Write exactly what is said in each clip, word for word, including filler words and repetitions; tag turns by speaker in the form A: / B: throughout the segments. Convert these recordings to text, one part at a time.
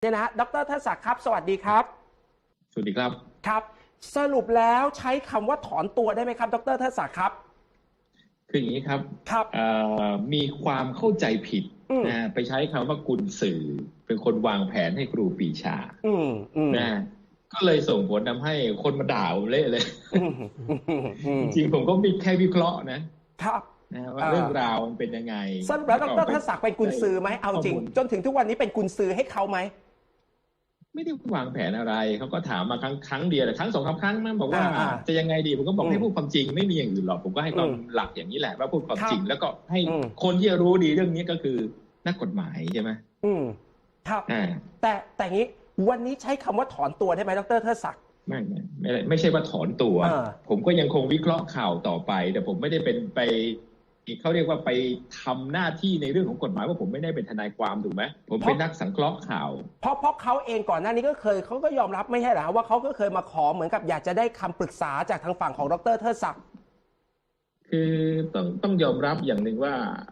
A: เนี่ยนะฮะดร.เทิดศักดิ์ครับสวัสดีครับ
B: สวัสดีครับ
A: ครับสรุปแล้วใช้คำว่าถอนตัวได้ไหมครับดร.เทิดศักดิ์ครับ
B: คืออย่างนี้ครับ
A: ครับ
B: มีความเข้าใจผิดนะไปใช้คำว่ากุนซือเป็นคนวางแผนให้ครูปรีชานะก็เลยส่งผลทำให้คนมาด่าเละเลยจริงๆผมก็มีแค่วิเคราะห์นะครับนะว่าเรื่องราวมันเป็นยังไง
A: สรุปแล้วดร.เทิดศักดิ์เป็นกุนซือไหมเอาจริงจนถึงทุกวันนี้เป็นกุนซือให้เขาไหม
B: ไม่ได้วางแผนอะไรเขาก็ถามมาครั้งครั้งเดียวแต่ครั้งสองครั้งมันบอกว่าจะยังไงดีผมก็บอกให้พูดความจริงไม่มีอย่างอื่นหรอกผมก็ให้ความหลักอย่างนี้แหละว่าพูดความจริงแล้วก็ให้คนที่รู้ดีเรื่องนี้ก็คือนักกฎหมายใช่ไหม
A: อืมครับแต่แต่งี้วันนี้ใช้คำว่าถอนตัวได้ไหมดร.เทิดศักดิ์
B: ไม่ไม่ไม่ไม่ใช่ว่าถอนตัวผมก็ยังคงวิเคราะห์ข่าวต่อไปแต่ผมไม่ได้เป็นไปเขาเรียกว่าไปทำหน้าที่ในเรื่องของกฎหมายว่าผมไม่ได้เป็นทนายความถูกไหมผมเป็นนักสังเคราะห์ข่าว
A: เพราะเพราะเขาเองก่อนหน้านี้ก็เคยเขาก็ยอมรับไม่ใช่เหรอว่าเขาก็เคยมาขอเหมือนกับอยากจะได้คำปรึกษาจากทางฝั่งของดร.เทิดศักดิ์
B: คือต้องต้องยอมรับอย่างหนึ่งว่า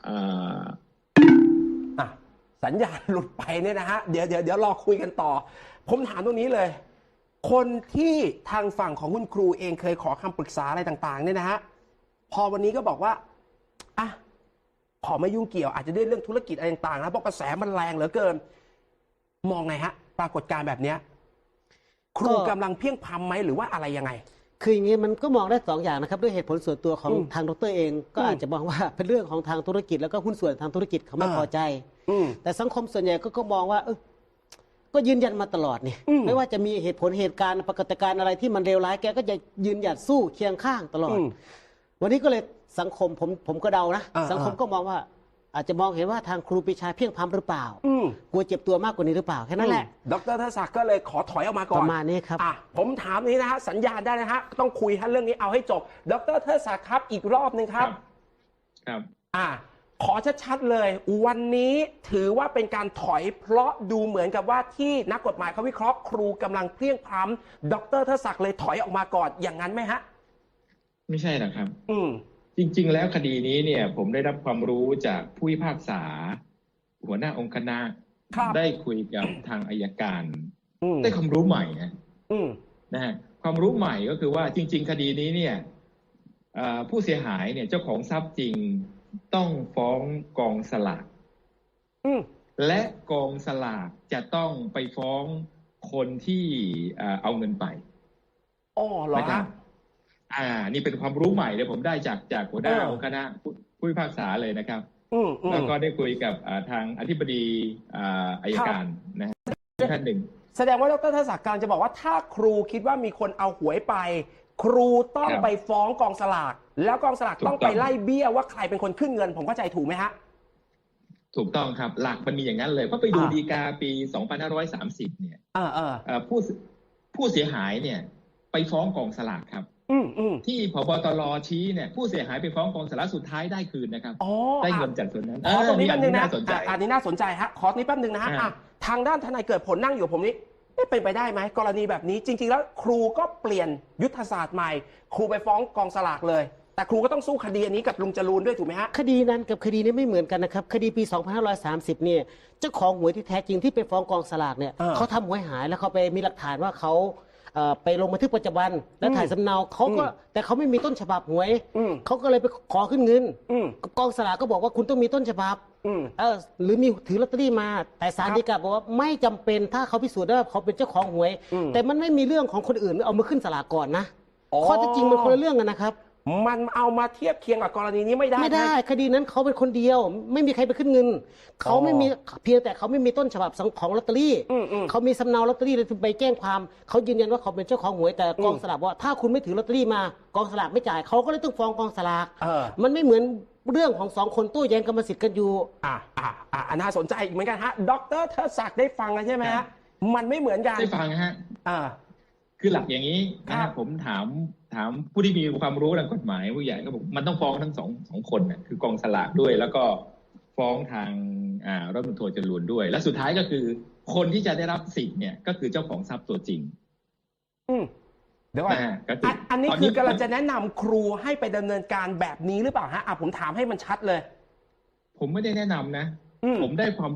A: อ่ะสัญญาณหลุดไปเนี่ยนะฮะเดี๋ยวเดี๋ยวเดี๋ยวรอคุยกันต่อผมถามตรงนี้เลยคนที่ทางฝั่งของคุณครูเองเคยขอคำปรึกษาอะไรต่างๆเนี่ยนะฮะพอวันนี้ก็บอกว่าอ่ะขอไม่ยุ่งเกี่ยวอาจจะด้วยเรื่องธุรกิจอะไรต่างๆนะเพราะกระแสมันแรงเหลือเกินมองไงฮะปรากฏการณ์แบบนี้ครูกำลังเพี้ยงพำไหมหรือว่าอะไรยังไง
C: คืออย่างนี้มันก็มองได้สองอย่างนะครับด้วยเหตุผลส่วนตัวของทางดรเองก็อาจจะมองว่าเป็นเรื่องของทางธุรกิจแล้วก็หุ้นส่วนทางธุรกิจเขาไม่พอใจแต่สังคมส่วนใหญ่ก็มองว่าเออก็ยืนยันมาตลอดนี่ไม่ว่าจะมีเหตุผลเหตุการณ์ปรากฏการณ์อะไรที่มันเลวร้ายแกก็จะยืนหยัดสู้เคียงข้างตลอดวันนี้ก็เลยสังคมผมผมก็เดานะสังคมก็มองว่าอาจจะมองเห็นว่าทางครูปรีชาเพียงพำหรือเปล่ากลัวเจ็บตัวมากกว่านี้หรือเปล่าแค่นั้นแหละ
A: ดร.เทิดศักดิ์ก็เลยขอถอยออกมาก่อน
C: ประมาณนี้ครับ
A: อ่ะผมถามนี้นะฮะสัญญาณได้นะฮะต้องคุยฮะเรื่องนี้เอาให้จบดร.เทิดศักดิ์ครับอีกรอบหนึ่งครับ
B: ครับ
A: อ่ะขอชัดๆเลยวันนี้ถือว่าเป็นการถอยเพราะดูเหมือนกับว่าที่นักกฎหมายเขาวิเคราะห์ครูกำลังเพลียงพล้ำดร.เทิดศักดิ์เลยถอยออกมาก่อนอย่างนั้นไหมฮะ
B: ไม่ใช่นะครับ
A: อืม
B: จริงๆแล้วคดีนี้เนี่ยผมได้รับความรู้จากผู้พิพากษาหัวหน้าองค์คณะได้คุยกับทางอัยการได้ความรู้ใหม่นะนะฮะความรู้ใหม่ก็คือว่าจริงๆคดีนี้เนี่ยผู้เสียหายเนี่ยเจ้าของทรัพย์จริงต้องฟ้องกองสลากและกองสลากจะต้องไปฟ้องคนที่เอาเงินไป
A: อ๋อเหรอครับ
B: อ่านี่เป็นความรู้ใหม่เลยผมได้จากจากหัวหน้าองค์คณะผู้พิพากษาเลยนะครับแล้วก็ได้คุยกับทางอธิบดีอัยการนะฮะท่านหนึ่ง
A: แสดงว่าดร.เทิดศักดิ์การจะบอกว่าถ้าครูคิดว่ามีคนเอาหวยไปครูต้องไปฟ้องกองสลากแล้วกองสลากต้องไปไล่เบี้ยว่าใครเป็นคนขึ้นเงินผมเข้าใจถูกไหมฮะ
B: ถูกต้องครับหลักมันมีอย่างนั้นเลยเพราะไปดูฎีกาปีสองพันห้าร้อยสามสิบเนี่ยผู้ผู้เสียหายเนี่ยไปฟ้องกองสลากครับที่ผบ.ตร.ชี้เนี่ยผู้เสียหายไปฟ้องกองสลากสุดท้ายได้คืนนะครับได้เงินจากส่วนนั้น
A: ขอตรงนี้แป๊บนึงนะอันนี้น่าสนใจฮะขอนี้แป๊บนึงนะฮะทางด้านทนายเกิดผลนั่งอยู่ผมนี้เป็นไปได้ไหมกรณีแบบนี้จริงๆแล้วครูก็เปลี่ยนยุทธศาสตร์ใหม่ครูไปฟ้องกองสลากเลยแต่ครูก็ต้องสู้คดีอันนี้กับลุงจรูนด้วยถูกไหมฮะ
C: คดีนั้นกับคดีนี้ไม่เหมือนกันนะครับคดีปีสองพันห้าร้อยสามสิบเนี่ยเจ้าของหวยที่แท้จริงที่ไปฟ้องกองสลากเนี่ยเขาทำหวยหายแล้วเขาไปมีหลักฐานว่าเขาไปลงบันทึกประจำวันและถ่ายสำเนาเขาก็แต่เขาไม่มีต้นฉบับหวยเขาก็เลยไปขอขึ้นเงินกองสลากก็บอกว่าคุณต้องมีต้นฉบับหรือมีถือลอตเตอรี่มาแต่ศาลฎีกาบอกว่าไม่จำเป็นถ้าเขาพิสูจน์ได้ว่าเขาเป็นเจ้าของหวยแต่มันไม่มีเรื่องของคนอื่นเอามาขึ้นสลากก่อนนะข้อเท็จจริงมันคนละเรื่องกันนะครับ
A: มันเอามาเทียบเคียงกับกรณีนี้ไม่ได้
C: ไม่ได้คดีนั้นเขาเป็นคนเดียวไม่มีใครไปขึ้นเงินเขาไม่มีเพียงแต่เขาไม่มีต้นฉบับของลอตเตอรี่เขามีสำเนาลอตเตอรี่เลยไปแจ้งความเขายืนยันว่าเขาเป็นเจ้าของหวยแต่กองสลากว่าถ้าคุณไม่ถือลอตเตอรี่มากองสลากไม่จ่ายเขาก็เลยต้องฟ้องกองสลากมันไม่เหมือนเรื่องของสองคนโต้แย้งกรรมสิทธิ์กันอยู่
A: อ่าอ่าอ่าน่าสนใจอีกเหมือนกันฮะดร.เทิดศักดิ์ได้ฟังแล้วใช่ไหมฮะมันไม่เหมือนกัน
B: ได้ฟังฮะ
A: อ่า
B: คือหลักอย่างนี้นะผมถามถามผู้ที่มีความรู้ทางกฎหมายผู้ใหญ่ก็บอกมันต้องฟ้องทั้งสองสองคนน่ะคือกองสลากด้วยแล้วก็ฟ้องทางอ่ารัฐมนตรีจรูนด้วยและสุดท้ายก็คือคนที่จะได้รับสิทธิ์เนี่ยก็คือเจ้าของทรัพย์ตัวจริง
A: อืมเดี๋ยวก่อนอันนี้คือกำลังจะแนะนำครูให้ไปดำเนินการแบบนี้หรือเปล่าฮะอ่ะผมถามให้มันชัดเลย
B: ผมไม่ได้แนะนำนะผมได้ความ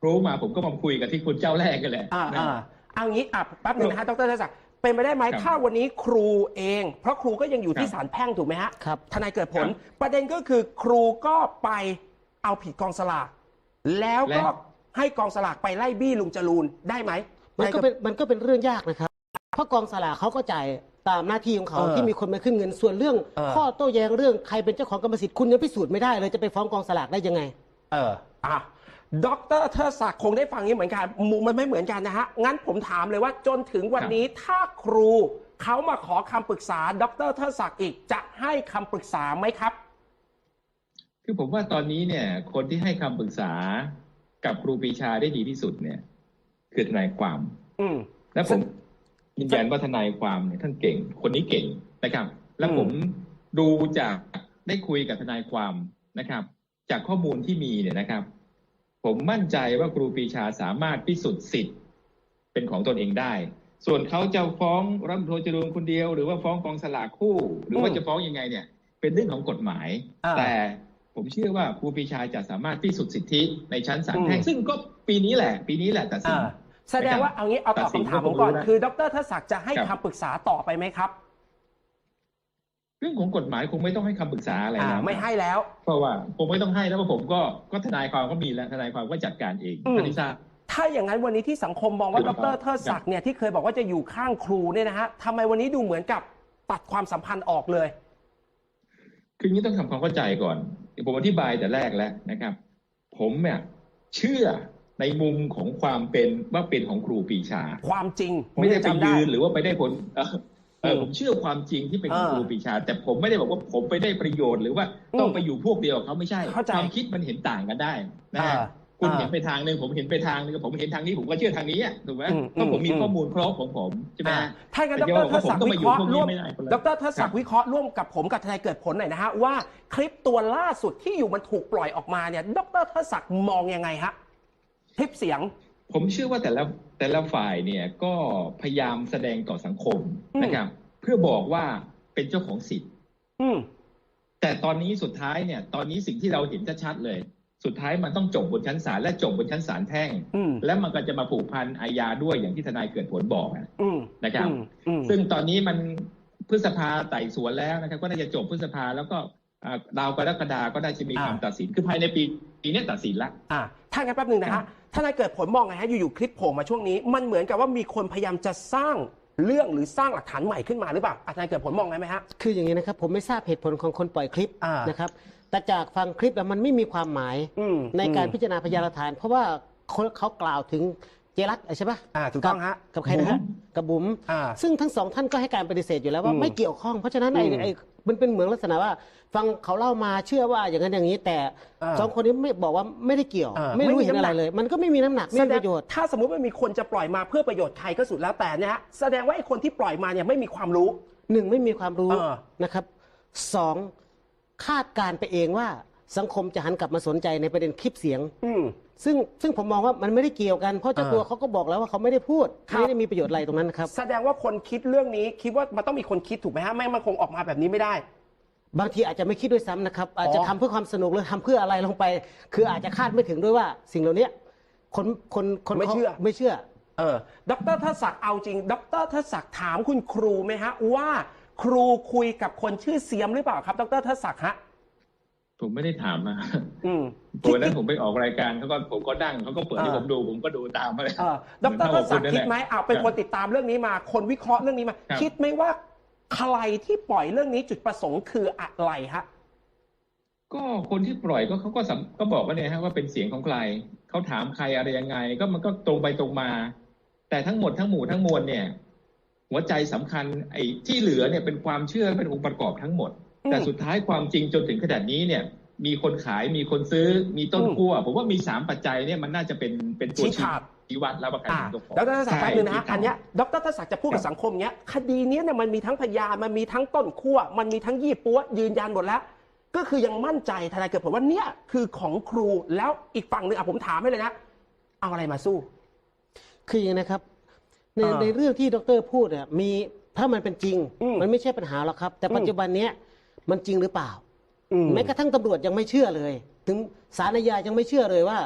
B: รู้มาผมก็มาคุยกับที่คุณเจ้าแรกกันแหละ
A: อ่า
B: นะ
A: อ่าเอางี้อ่ะแป๊บหนึงนะฮะดรเทศักดิ์เป็นไปได้ไหมถ้าวันนี้ครูเอง เพราะครูก็ยังอยู่ที่ศาลแพ่งถูกไหมฮะ
C: ครับ
A: ทนายเกิดผล ประเด็นก็คือครูก็ไปเอาผิดกองสลากแล้วก็ให้กองสลากไปไล่บี้ลุงจรูนได้ไหม
C: มันก็เป็นมันก็เป็นเรื่องยากนะครับ เพราะกองสลากเขาก็จ่ายตามหน้าที่ของเขา
A: เออ
C: ที่มีคนมาขึ้นเงินส่วนเรื่อง
A: เออ
C: ข้อโต้แย้งเรื่องใครเป็นเจ้าของกรรมสิทธิ์คุณยังพิสูจน์ไม่ได้เลยจะไปฟ้องกองสลากได้ยังไง
A: เอออ่ะดรเทศักดิ์คงได้ฟังนี้เหมือนกันมุมมันไม่เหมือนกันนะฮะงั้นผมถามเลยว่าจนถึงวันนี้ถ้าครูเขามาขอคำปรึกษาดรเทศักดิ์อีกจะให้คำปรึกษาไหมครับ
B: คือผมว่าตอนนี้เนี่ยคนที่ให้คำปรึกษากับครูปรีชาได้ดีที่สุดเนี่ยคือทนายความ
A: อืม
B: และผมยืนยันว่าทนายความเนี่ยท่านเก่ง คนนี้เก่งนะครับ และผมดูจากได้คุยกับทนายความนะครับ จากข้อมูลที่มีเนี่ยนะครับ ผมมั่นใจว่าครูปรีชาสามารถพิสูจน์สิทธิ์เป็นของตนเองได้ ส่วนเขาจะฟ้องรัฐมนตรีจรูนคนเดียวหรือว่าฟ้องกองสลากคู่ หรือว่าจะฟ้องยังไงเนี่ยเป็นเรื่องของกฎหมาย แต่ผมเชื่อว่าครูปรีชาจะสามารถพิสูจน์สิทธิในชั้นศาลแพ่งซึ่งก็ปีนี้แหละ ปีนี้แหละตัดสิน
A: แสดงว่าเอางี้เอาตอบคำถามผมก่อนคือดรเทศักดิ์จะให้คำปรึกษาต่อไปไหมครับ
B: เรื่องของกฎหมายคงไม่ต้องให้คำปรึกษาอะไรแล้ว
A: ไม่ให้แล้ว
B: เพราะว่าผมไม่ต้องให้แล้วเพราะผมก็ก็ทนายความก็มีแล้วทนายความก็จัดการเองท่านที่ทราบ
A: ถ้าอย่างนั้นวันนี้ที่สังคมมองว่าดรเทศักดิ์เนี่ยที่เคยบอกว่าจะอยู่ข้างครูเนี่ยนะฮะทำไมวันนี้ดูเหมือนกับตัดความสัมพันธ์ออกเลย
B: คืออย่างนี้ต้องทำความเข้าใจก่อนผมอธิบายแต่แรกแล้วนะครับ ผมเนี่ยเชื่อในมุมของความเป็นว่าเป็นของครูปรีชา
A: ความจริง
B: ไม่ได้ไปยืนหรือว่าไปได้ผลเออเออผมเชื่อความจริงที่เป็นของครูปรีชา แต่ผมไม่ได้บอกว่าผมไปได้ประโยชน์หรือว่าต้องไปอยู่พวกเดียวกับเขาไม่ใช่ความคิดมันเห็นต่างกันได้นะฮะคุณเห็นไปทางหนึ่งผมเห็นไปทางนึงผมเห็นทางนี้ผมก็เชื่อทางนี้ถูกไหมเพราะผมมีข้อมูลครบของผมใช่ไหม
A: ถ้างั้นดรเทศักดิ์วิเคราะห์ร่วมดรเทศักดิ์วิเคราะห์ร่วมกับผมกับทนายเกิดผลหน่อยนะฮะว่าคลิปตัวล่าสุดที่อยู่มันถูกปล่อยออกมาเนี่ยดรเทศักดิ์มองยังไงฮะคลิปเสียง
B: ผมเชื่อว่าแต่ละแต่ละฝ่ายเนี่ยก็พยายามแสดงต่อสังคมนะครับเพื่อบอกว่าเป็นเจ้าของสิทธิ์แต่ตอนนี้สุดท้ายเนี่ยตอนนี้สิ่งที่เราเห็นชัดๆเลยสุดท้ายมันต้องจบบนชั้นศาลและจบบนชั้นศาลแพ่งและมันก็จะมาผูกพันอาญาด้วยอย่างที่ทนายเกิดผลบอกนะครับซึ่งตอนนี้มันพฤษภาไต่สวนแล้วนะครับก็น่าจะจบพฤษภาแล้วก็ดาวกรกฎาก็น่าจะมีคำตัดสินคือภายในปีปีนี้ตัดสินแล้ว
A: ถ้างั้นแป๊บนึงนะฮะทนายเกิดผลมองไงฮะอยู่ๆคลิปโผล่มาช่วงนี้มันเหมือนกับว่ามีคนพยายามจะสร้างเรื่องหรือสร้างหลักฐานใหม่ขึ้นมาหรือเปล่าอาจารย์เกิดผลมองไงไหมฮะ
C: คืออย่างนี้นะครับผมไม่ทราบเหตุผลของคนปล่อยคลิปนะครับแต่จากฟังคลิปแล้วมันไม่มีความหมายในการพิจารณาพยานหลักฐาน เพราะว่าเขากล่าวถึงเจรัตใช่ปะ
A: ถูกต้องฮะ
C: กับใครนะฮะกับบุ๋มซึ่งทั้งสองท่านก็ให้การปฏิเสธอยู่แล้วว่าไม่เกี่ยวข้องเพราะฉะนั้นไอ้ไอ้มันเป็นเหมือนลักษณะว่าฟังเขาเล่ามาเชื่อว่าอย่างนั้นอย่างนี้แต่สองคนนี้ไม่บอกว่าไม่ได้เกี่ยวไม่รู้เห็นอะไรเลยมันก็ไม่มีน้ำหนักไม่มีประโยชน์
A: ถ้าสมมติว่ามีคนจะปล่อยมาเพื่อประโยชน์ใครก็สุดแล้วแต่เนี่ยแสดงว่าไอ้คนที่ปล่อยมาเนี่ยไม่มีความรู้
C: หนึ่งไม่มีความรู้นะครับสองคาดการไปเองว่าสังคมจะหันกลับมาสนใจในประเด็นคลิปเสียงซึ่งซึ่งผมมองว่ามันไม่ได้เกี่ยวกันเพราะเจ้าตัวเขาก็บอกแล้วว่าเขาไม่ได้พูดไม่ได้มีประโยชน์อะไรตรงนั้นนะครับ
A: แสดงว่าคนคิดเรื่องนี้คิดว่ามันต้องมีคนคิดถูกไหมฮะไม่มันคงออกมาแบบนี้ไม่ได้
C: บางทีอาจจะไม่คิดด้วยซ้ำนะครับอาจจะทำเพื่อความสนุกหรือทำเพื่ออะไรลงไปคืออาจจะคาดไม่ถึงด้วยว่าสิ่งเหล่านี้คนคนคน
A: ไม่เชื่อ
C: ไม่เชื่อ
A: เออดร.เทศักดิ์เอาจริงดร.เทศักดิ์ถามคุณครูไหมฮะว่าครูคุยกับคนชื่อเสียมหรือเปล่าครับดร.เทศักดิ์ฮะ
B: ผมไม่ได้ถามนะตัวนั้นผมไปออกรายการเขาก็ผมก็ดังเขาก็เปิดให้ผมดูผมก็ดูตามมาเลย
A: ดร.เทศักดิ์คิดไหมอ้าวเป็นคนติดตามเรื่องนี้มาคนวิเคราะห์เรื่องนี้มาคิดไหมว่าใครที่ปล่อยเรื่องนี้จุดประสงค์คืออะไรฮะ
B: ก็คนที่ปล่อยก็เขาก็ก็บอกว่าเนี่ยฮะว่าเป็นเสียงของใครเขาถามใครอะไรยังไงก็มันก็ตรงไปตรงมาแต่ทั้งหมดทั้งหมู่ทั้งมวลเนี่ยหัวใจสำคัญไอ้ที่เหลือเนี่ยเป็นความเชื่อเป็นองค์ประกอบทั้งหมดแต่สุดท้ายความจริงจนถึงขนาดนี้เนี่ยมีคนขายมีคนซื้อมีต้นขั้วผมว่ามีสามปัจจัยเนี่ยมันน่าจะเป็นเป็นตัวชี้วัดแล้วประกันตัวของ
A: ดร.เทศักดิ์แป๊บนึงนะฮะอันเนี้ยดร.เทศักดิ์จะพูดกับสังคมเนี้ยคดีนี้เนี่ยมันมีทั้งพยานมันมีทั้งต้นขั้วมันมีทั้งยี่ปัวยืนยันหมดแล้วก็คือยังมั่นใจทนายเกิดผลว่าเนี่ยคือของครูแล้วอีกฝั่งหนึ่งอ่ะผมถามให้เลยนะเอาอะไรมาสู้
C: คืออย่างนะครับในในเรื่องที่ดร.พูดเนี่ยมีถ้ามันเป็นจริงมันไม่ใช่ปัญหาหรอกครับแต่ปัจจุบันเนี้ยมันจริงหรือเปล่าแม้กระทั่งตำรวจยังไม่เชื่อเลยถึงศาลอาญายังไม่เชื่อเลยว่า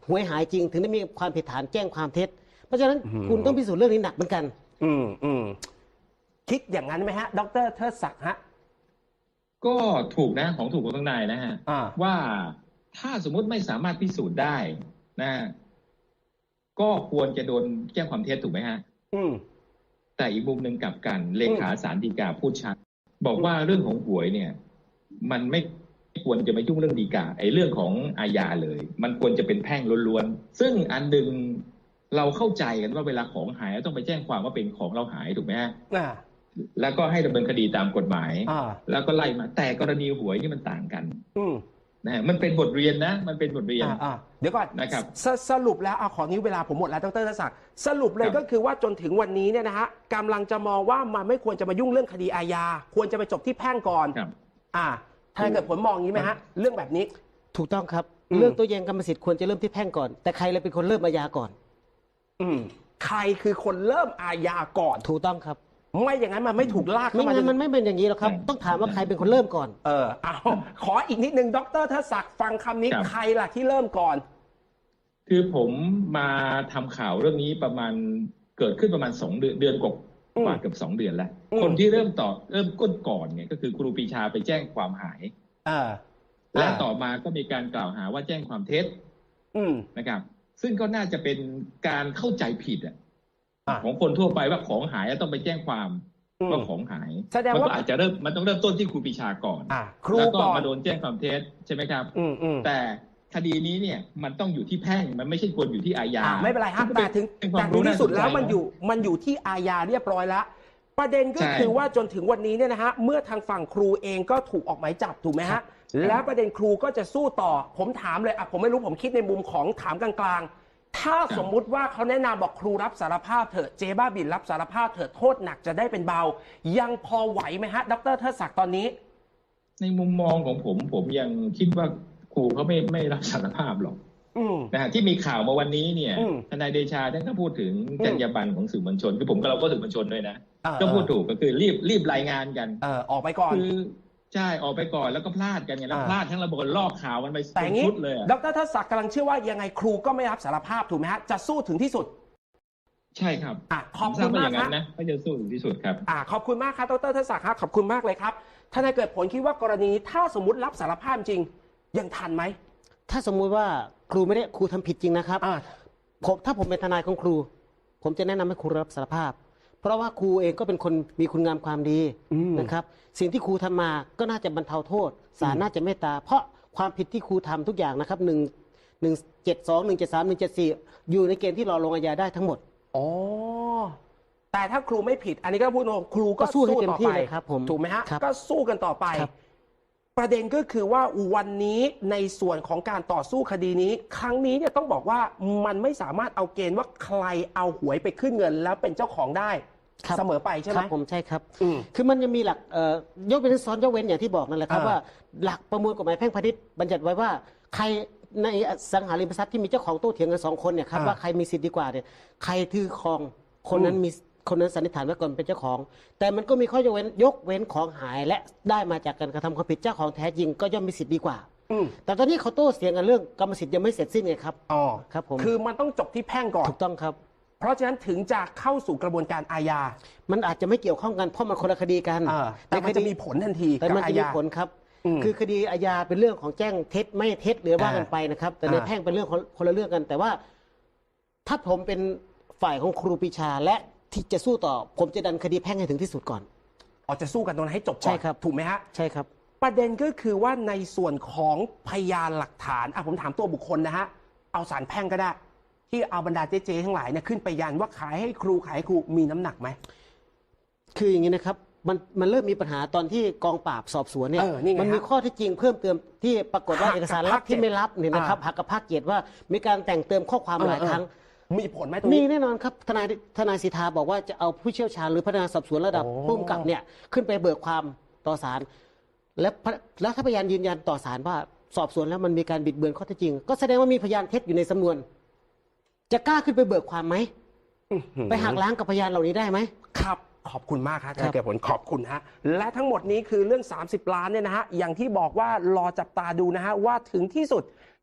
C: หวยหายจริงถึงได้มีความผิดฐานแจ้งความเท็จเพราะฉะนั้นคุณต้องพิสูจน์เรื่องนี้หนักเหมือนกัน
A: อืมอืมคิดอย่างนั้นไหมฮะดร.เทิดศักดิ์ฮะ
B: ก็ถูกนะของถูกของทางนายนะฮะว่าถ้าสมมุติไม่สามารถพิสูจน์ได้นะก็ควรจะโดนแจ้งความเท็จถูกไหมฮะ
A: อืม
B: แต่อีกมุมหนึ่งกลับกันเลขาศาลฎีกาพูดชัดบอกว่าเรื่องของหวยเนี่ยมันไม่ควรจะมายุ่งเรื่องฎีกาไอ้เรื่องของอาญาเลยมันควรจะเป็นแพ่งล้วนๆซึ่งอันหนึ่งเราเข้าใจกันว่าเวลาของหายต้องไปแจ้งความว่าเป็นของเราหายถูกไหมฮะแล้วก็ให้ดำเนินคดีตามกฎหมายแล้วก็ไล่มาแต่กรณีหวยนี่มันต่างกันนะมันเป็นบทเรียนนะมันเป็นบทเรียน
A: เดี๋ยวก่อนนะครับสสรุปแล้วเอาขอนิ้วเวลาผมหมดแล้วดร.เทิดศักดิ์สรุปเลยก็คือว่าจนถึงวันนี้เนี่ยนะฮะกำลังจะมองว่ามันไม่ควรจะมายุ่งเรื่องคดีอาญาควรจะไปจบที่แพ่งก่อนอ่าถ้าเกิดผลมองอย่างนี้ไหมฮะเรื่องแบบนี้
C: ถูกต้องครับเรื่องตัวแย่งกรรมสิทธิ์ควรจะเริ่มที่แพ่งก่อนแต่ใครเลยเป็นคนเริ่มอาญาก่อน
A: อืมใครคือคนเริ่มอาญาก่อน
C: ถูกต้องครับ
A: ไม่อย่างนั้นมันไม่ถูกลากเข้ามา
C: ไม่งั้นมันไม่เป็นอย่างนี้หรอกครับต้องถามว่าใครเป็นคนเริ่มก่อน
A: เออเอาขออีกนิดนึงดร.เทิดศักดิ์ฟังคำนี้ใครล่ะที่เริ่มก่อน
B: คือผมมาทำข่าวเรื่องนี้ประมาณเกิดขึ้นประมาณสองเดือนเดือนกว่าเกือบสองเดือนแล้วคนที่เริ่มต่อเริ่มก้นก่อนเนี่ยก็คือครูปรีชาไปแจ้งความหายและต่อมาก็มีการกล่าวหาว่าแจ้งความเท็จนะครับซึ่งก็น่าจะเป็นการเข้าใจผิดอ่ะของคนทั่วไปว่าของหายต้องไปแจ้งความว่าของหายมันก็อาจจะเริ่มมันต้องเริ่มต้นที่ครูปรีชาก่อนแล้วก็มาโดนแจ้งความเท็จใช่ไหมครับแต่คดีนี้เนี่ยมันต้องอยู่ที่แพ่งมันไม่ใช่ควรอยู่ที่อาญา
A: ไม่เป็นไรครับแต่ถึงแต่ถึงที่สุดแล้วมันอยู่มันอยู่ที่อาญาเรียบร้อยแล้วประเด็นก็คือว่าจนถึงวันนี้เนี่ยนะฮะเมื่อทางฝั่งครูเองก็ถูกออกหมายจับถูกไหมฮะแล้วประเด็นครูก็จะสู้ต่อผมถามเลยอ่ะผมไม่รู้ผมคิดในมุมของถามกลางๆถ้าสมมุติว่าเขาแนะนำบอกครูรับสารภาพเถอะเจ๊บ้าบินรับสารภาพเถอะโทษหนักจะได้เป็นเบายังพอไหวไหมฮะดร.เทิดศักดิ์ตอนนี้
B: ในมุมมองของผมผมยังคิดว่าครูเขาไม่ไม่รับสารภาพหรอกนะฮะที่มีข่าวมาวันนี้เนี่ยทนายเดชาท่านก็พูดถึงจรรยาบรรณของสื่อมวลชนคือผมกับเราก็สื่อมวลชนด้วยนะก็พูดถูกก็คือรีบรีบรายงานกัน
A: เออออกไปก่อน
B: คือใช่ออกไปก่อนแล้วก็พลาดกันไงแล้วพลาดทั้งระบบลอกข่าวมันไปเป็นชุดเลย
A: ดร.เทิดศักดิ์กำลังเชื่อว่ายังไงครูก็ไม่รับสารภาพถูกไหมฮะจะสู้ถึงที่สุด
B: ใช่ครับ
A: อ่ะขอบคุณมากครับ
B: นะก็จะสู้ถึงที่สุดครับ
A: อ่ะขอบคุณมากครับดร.เทิดศักดิ์ครับขอบคุณมากเลยครับถ้านายเกิดผลคิดว่ากรณีถ้าสมมติรับสารภาพจริงยังทันไหม
C: ถ้าสมมุติว่าครูไม่ได้ครูทำผิดจริงนะครับผมถ้าผมเป็นทนายของครูผมจะแนะนำให้ครูรับสารภาพเพราะว่าครูเองก็เป็นคนมีคุณงามความดีนะครับสิ่งที่ครูทำมาก็น่าจะบรรเทาโทษศาลน่าจะเมตตาเพราะความผิดที่ครูทำทุกอย่างนะครับหนึ่งหนึ่งเจ็ดสองหนึ่งเจ็ดสามหนึ่งเจ็ดสี่อยู่ในเกณฑ์ที่รอลงอาญาได้ทั้งหมด
A: อ๋อแต่ถ้าครูไม่ผิดอันนี้ก็พูดตรงครูก็สู้ให้เต็มที่
C: ครับผม
A: ถูกไหมฮะก็สู้กันต่อไปประเด็นก็คือว่าวันนี้ในส่วนของการต่อสู้คดีนี้ครั้งนี้เนี่ยต้องบอกว่ามันไม่สามารถเอาเกณฑ์ว่าใครเอาหวยไปขึ้นเงินแล้วเป็นเจ้าของได้เสมอไปใช่ไหม
C: ครับผมใช่ครับคือมันยังมีหลักยกเว้นซ้อนยกเว้นอย่างที่บอกนั่นแหละครับว่าหลักประมวลกฎหมายแพ่งพาณิชย์บัญญัติไว้ว่าใครในสังหาริมทรัพย์ที่มีเจ้าของโต้เถียงกันสองคนเนี่ยครับว่าใครมีสิทธิ์ดีกว่าเนี่ยใครถือครองคนนั้นมีคนนั้นสันนิษฐานไว้ก่อนเป็นเจ้าของแต่มันก็มีข้อยกเว้นยกเว้นของหายและได้มาจากการกระทำความผิดเจ้าของแท้จริงก็ย่อมมีสิทธิ์ดีกว่าแต่ตอนนี้เขาโต้เถียงกันเรื่องกรรมสิทธิ์ยังไม่เสร็จสิ้นไงครับ
A: อ๋อ
C: ครับผม
A: คือมันต้องจบที่แพ่งก่อน
C: ถูกต้องครับ
A: เพราะฉะนั้นถึงจะเข้าสู่กระบวนการอาญา
C: มันอาจจะไม่เกี่ยวข้องกันเพราะมันคนละคดีกัน
A: แต่มันจะมีผลทันที
C: แต่มันจะมีผลครับคือคดีอาญาเป็นเรื่องของแจ้งเท็จไม่เท็จหรือว่ากันไปนะครับแต่ในแพ่งเป็นเรื่องคนละเรื่องกันแต่ว่าถ้าผมเป็นฝ่ายของครูปรีชาและที่จะสู้ต่อผมจะดันคดีแพ่งให้ถึงที่สุดก่อน
A: อ๋อจะสู้กันตรงนั้นให้จบก่อน
C: ใช่ครับ
A: ถูกไหมฮะ
C: ใช่ครับ
A: ประเด็นก็คือว่าในส่วนของพยานหลักฐานอ่ะผมถามตัวบุคคลนะฮะเอาศาลแพ่งก็ได้ที่เอาบรรดาเจ๊ๆทั้งหลายเนี่ยขึ้นไปยันว่าขายให้ครูขายให้ครูมีน้ำหนักไหม
C: คืออย่างนี้นะครับมันมันเริ่มมีปัญหาตอนที่กองปราบสอบสวนเนี่ยมันมีข้อที่จริงเพิ่มเติมที่ปรากฏว่าเอกสารลับที่ไม่รับเนี่ยนะครับหักกับภาคเกียรติว่ามีการแต่งเติมข้อความหลายครั้ง
A: มีผลไหมตรงนี้
C: มีแน่นอนครับทนายทนายสิทธาบอกว่าจะเอาผู้เชี่ยวชาญหรือพนักงานสอบสวนระดับผู้กำกับเนี่ยขึ้นไปเบิกความต่อศาลและแล้วถ้าพยานยืนยันต่อศาลว่าสอบสวนแล้วมันมีการบิดเบือนข้อเท็จจริงก็แสดงว่ามีพยานเท็จอยู่ในสำนวนจะกล้าขึ้นไปเบิกความไหมไปหักล้างกับพยานเหล่านี้ได้ไหม
A: ครับขอบคุณมากครับทนายเกิดผลขอบคุณฮะและทั้งหมดนี้คือเรื่องสามสิบล้านเนี่ยนะฮะอย่างที่บอกว่ารอจับตาดูนะฮะว่าถึงที่สุด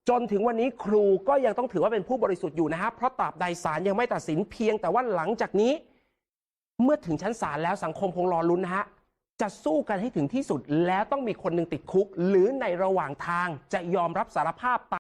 A: จนถึงวันนี้ครูก็ยังต้องถือว่าเป็นผู้บริสุทธิ์อยู่นะฮะเพราะตราบใดศาลยังไม่ตัดสินเพียงแต่ว่าหลังจากนี้เมื่อถึงชั้นศาลแล้วสังคมคงรอลุ้นนะฮะจะสู้กันให้ถึงที่สุดแล้วต้องมีคนหนึ่งติดคุกหรือในระหว่างทางจะยอมรับสารภาพ